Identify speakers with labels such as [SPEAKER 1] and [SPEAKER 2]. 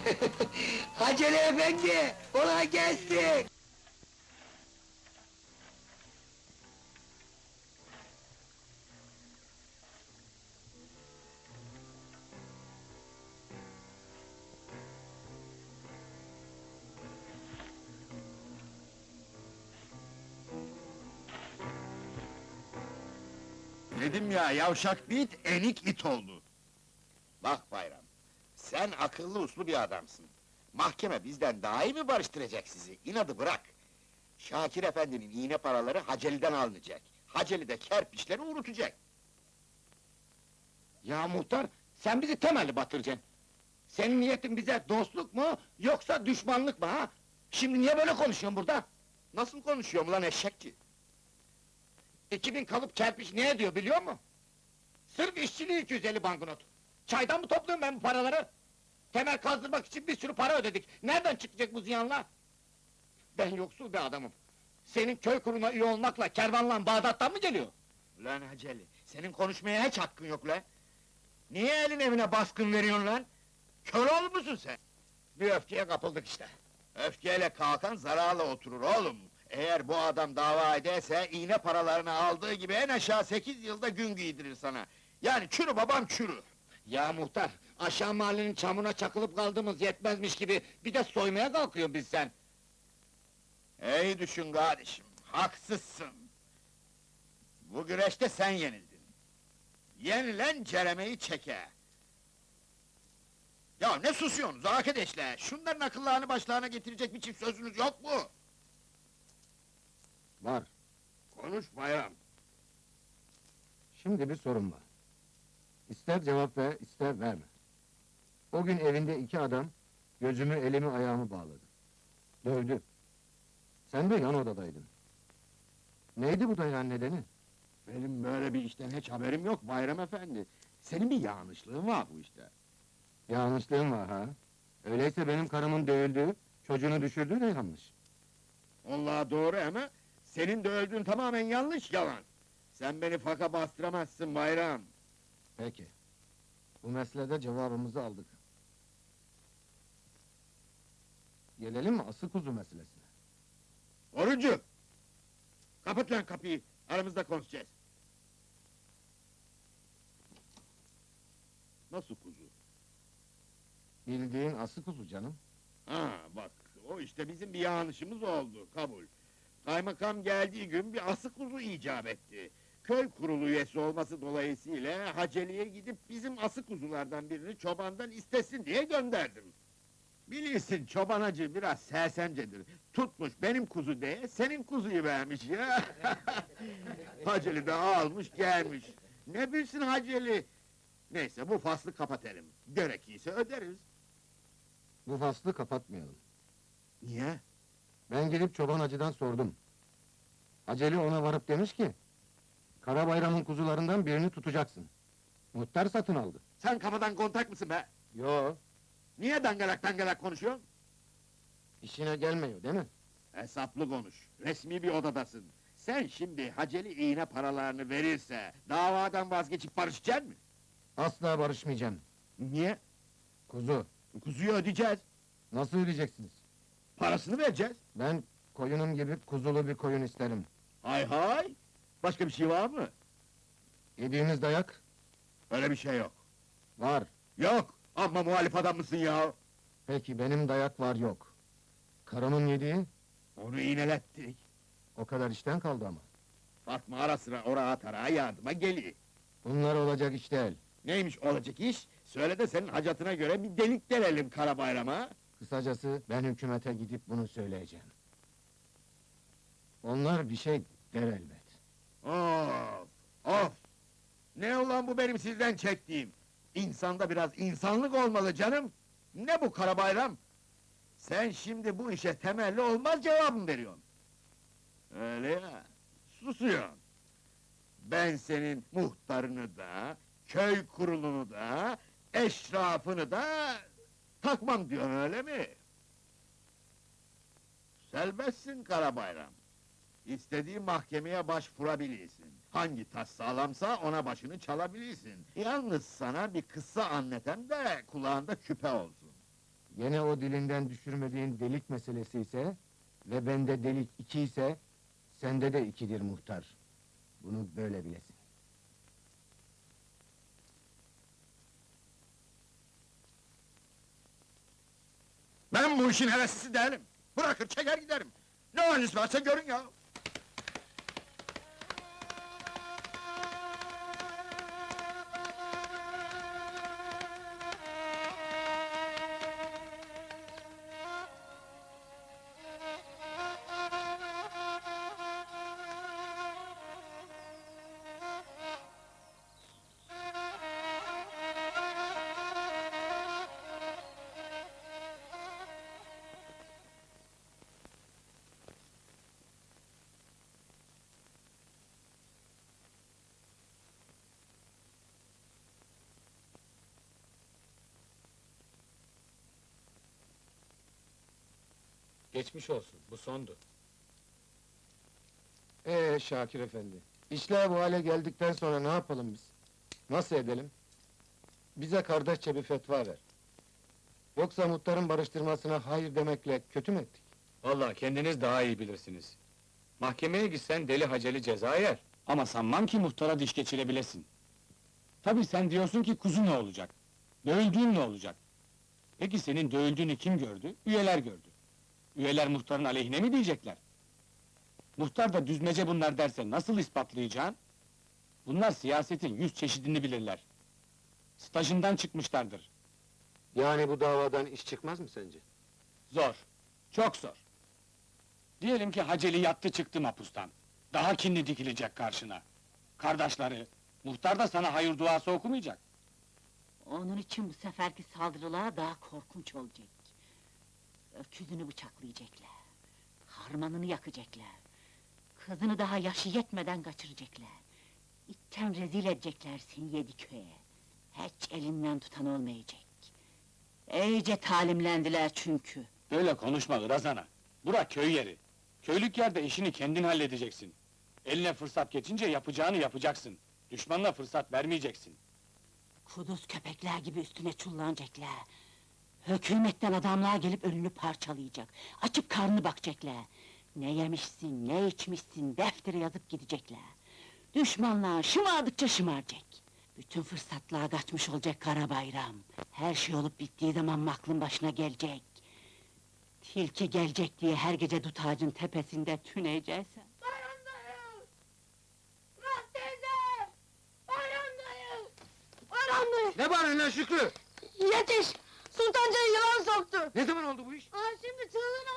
[SPEAKER 1] Haceli efendi, kolay gelsin!
[SPEAKER 2] Dedim ya, yavşak bit, enik it oldu.
[SPEAKER 3] Bak Bayram, sen akıllı uslu bir adamsın. Mahkeme bizden daha iyi mi barıştıracak sizi? İnadı bırak! Şakir efendinin iğne paraları Haceli'den alınacak. Haceli de kerpiçleri unutacak.
[SPEAKER 1] Ya muhtar, sen bizi temelli batıracaksın. Senin niyetin bize dostluk mu, yoksa düşmanlık mı ha? Şimdi niye böyle konuşuyorsun burada?
[SPEAKER 3] Nasıl konuşuyorum lan eşekçi?
[SPEAKER 1] 2000 kalıp kerpiç ne ediyor biliyor musun? Sırf işçiliği 250 banknot. Çaydan mı topluyorum ben bu paraları? Temel kazdırmak için bir sürü para ödedik. Nereden çıkacak bu ziyanlar? Ben yoksul bir adamım. Senin köy kuruna üye olmakla, kervanla Bağdat'tan mı geliyor?
[SPEAKER 3] Ulan Haceli, senin konuşmaya hiç hakkın yok lan! Niye elin evine baskın veriyorsun lan? Kör olmuşsun sen!
[SPEAKER 1] Bir öfkeye kapıldık işte.
[SPEAKER 3] Öfkeyle kalkan zararla oturur oğlum! Eğer bu adam dava ederse, iğne paralarını aldığı gibi en aşağı 8 yılda gün giydirir sana! Yani çürü babam çürü!
[SPEAKER 1] Ya muhtar, aşağı mahallenin çamuruna çakılıp kaldığımız yetmezmiş gibi... ...bir de soymaya kalkıyorsun biz sen!
[SPEAKER 3] İyi düşün kardeşim, haksızsın! Bu güreşte sen yenildin! Yenilen ceremeyi çeke! Ya ne susuyorsunuz arkadaşlar? Şunların akıllarını başlarına getirecek bir çift sözünüz yok mu?
[SPEAKER 1] Var.
[SPEAKER 3] Konuş Bayram!
[SPEAKER 4] Şimdi bir sorun var. İster cevap ver, ister verme. O gün evinde 2 adam, gözümü, elimi, ayağımı bağladı. Dövdü. Sen de yan odadaydın. Neydi bu dayan nedeni?
[SPEAKER 2] Benim böyle bir işten hiç haberim yok Bayram efendi. Senin bir yanlışlığın var bu işte.
[SPEAKER 4] Yanlışlığım var ha? Öyleyse benim karımın dövüldüğü, çocuğunu düşürdüğü de yanlış.
[SPEAKER 2] Vallahi doğru ama... ...senin de öldüğün tamamen yanlış, yalan! Sen beni faka bastıramazsın Bayram!
[SPEAKER 4] Peki. Bu meselede cevabımızı aldık. Gelelim mi asıl kuzu meselesine?
[SPEAKER 2] Orucu! Kapat lan kapıyı, aramızda konuşacağız! Nasıl kuzu?
[SPEAKER 4] Bildiğin asıl kuzu canım.
[SPEAKER 2] Ha bak, o işte bizim bir yanlışımız oldu, kabul. Kaymakam geldiği gün bir asık kuzu icap etti. Köy kurulu üyesi olması dolayısıyla Haceli'ye gidip bizim asık kuzulardan birini çobandan istesin diye gönderdim. Bilirsin çoban hacı biraz sersemcedir. Tutmuş benim kuzu diye senin kuzuyu vermiş ya. Haceli de almış gelmiş. Ne bilsin Haceli? Neyse bu faslı kapatalım. Gerekirse öderiz.
[SPEAKER 4] Bu faslı kapatmayalım.
[SPEAKER 2] Niye?
[SPEAKER 4] Ben gidip çoban hacıdan sordum. Haceli ona varıp demiş ki... ...Karabayram'ın kuzularından birini tutacaksın. Muhtar satın aldı.
[SPEAKER 2] Sen kafadan kontak mısın be?
[SPEAKER 4] Yo,
[SPEAKER 2] Niye dangalak dangalak konuşuyorsun?
[SPEAKER 4] işine gelmiyor değil mi?
[SPEAKER 2] Hesaplı konuş, resmi bir odadasın. Sen şimdi Haceli iğne paralarını verirse... ...davadan vazgeçip barışacaksın mı?
[SPEAKER 4] Asla barışmayacağım.
[SPEAKER 2] Niye?
[SPEAKER 4] Kuzu,
[SPEAKER 2] Kuzuyu ödeyeceğiz,
[SPEAKER 4] nasıl ödeyeceksiniz?
[SPEAKER 2] parasını vereceğiz.
[SPEAKER 4] Ben koyunum gibi kuzulu bir koyun isterim.
[SPEAKER 2] Hay hay! Başka bir şey var mı?
[SPEAKER 4] Yediğiniz dayak
[SPEAKER 2] Öyle bir şey yok.
[SPEAKER 4] var.
[SPEAKER 2] Yok, amma muhalif adam mısın ya?
[SPEAKER 4] Peki benim dayak var yok. Karımın yediği
[SPEAKER 2] Onu iğnelettik.
[SPEAKER 4] o kadar işten kaldı ama.
[SPEAKER 2] Fatma ara sıra oraya tarağa yardıma geliyor.
[SPEAKER 4] Bunlar olacak iş değil.
[SPEAKER 2] Neymiş olacak iş? Söyle de senin hacatına göre bir delik delelim Karabayram'a.
[SPEAKER 4] Kısacası ben hükümete gidip bunu söyleyeceğim. Onlar bir şey der elbet.
[SPEAKER 2] Of! Of! Ne ulan bu benim sizden çektiğim? İnsanda biraz insanlık olmalı canım! Ne bu Karabayram? Sen şimdi bu işe temelli olmaz cevabını veriyorsun. Öyle ya, susuyorsun. Ben senin muhtarını da, köy kurulunu da, eşrafını da takmam diyorsun öyle mi? Selbestsin Karabayram. İstediğin mahkemeye başvurabilirsin. Hangi tas sağlamsa ona başını çalabilirsin. Yalnız sana bir kıssa anlatan da kulağında küpe olsun.
[SPEAKER 4] Gene o dilinden düşürmediğin delik meselesi ise ve bende delik 2 ise sende de 2'dir muhtar. Bunu böyle bilesin.
[SPEAKER 2] Ben bu işin heveslisi değilim. Bırakır çeker giderim. Ne haliniz varsa görün ya.
[SPEAKER 5] Geçmiş olsun, bu sondu.
[SPEAKER 4] Şakir efendi, işler bu hale geldikten sonra ne yapalım biz? Nasıl edelim? Bize kardeşçe bir fetva ver. Yoksa muhtarın barıştırmasına hayır demekle kötü mü ettik?
[SPEAKER 5] Vallahi kendiniz daha iyi bilirsiniz. Mahkemeye gitsen deli haceli ceza yer. Ama sanmam ki muhtara diş geçirebilesin. Tabii sen diyorsun ki kuzu ne olacak? Dövüldüğün ne olacak? Peki senin dövüldüğünü kim gördü? Üyeler gördü. Üyeler muhtarın aleyhine mi diyecekler? Muhtar da düzmece bunlar derse nasıl ispatlayacaksın? Bunlar siyasetin 100 çeşidini bilirler. Stajından çıkmışlardır.
[SPEAKER 4] Yani bu davadan iş çıkmaz mı sence?
[SPEAKER 5] Zor, çok zor. Diyelim ki Haceli yattı çıktı mapustan. Daha kinli dikilecek karşına. Kardeşleri, muhtar da sana hayır duası okumayacak.
[SPEAKER 6] Onun için bu seferki saldırılar daha korkunç olacak. Öküzünü bıçaklayacaklar. Harmanını yakacaklar. Kızını daha yaşı yetmeden kaçıracaklar. İtten rezil edecekler seni yedi köye. Hiç elinden tutan olmayacak. İyice talimlendiler çünkü.
[SPEAKER 5] Böyle konuşma Irazana. Bura köy yeri. Köylük yerde işini kendin halledeceksin. Eline fırsat geçince yapacağını yapacaksın. Düşmanına fırsat vermeyeceksin.
[SPEAKER 6] Kuduz köpekler gibi üstüne çullanacaklar. Hükümetten adamlar gelip önünü parçalayacak. Açıp karnını bakacaklar. Ne yemişsin, ne içmişsin, deftere yazıp gidecekler. Düşmanlar şımardıkça şımaracak. Bütün fırsatlar kaçmış olacak Karabayram. Her şey olup bittiği zaman aklın başına gelecek. Tilki gelecek diye her gece dut ağacın tepesinde tüneyeceksin.
[SPEAKER 7] Bayram dayı! Murat teyze! Bayram dayı! Bayram dayı!
[SPEAKER 4] Ne bağırıyorsun lan Şükrü?
[SPEAKER 7] Yetiş! Sultanca'yı yılan soktu!
[SPEAKER 4] Ne zaman oldu bu iş?
[SPEAKER 7] Aa, şimdi çığlığını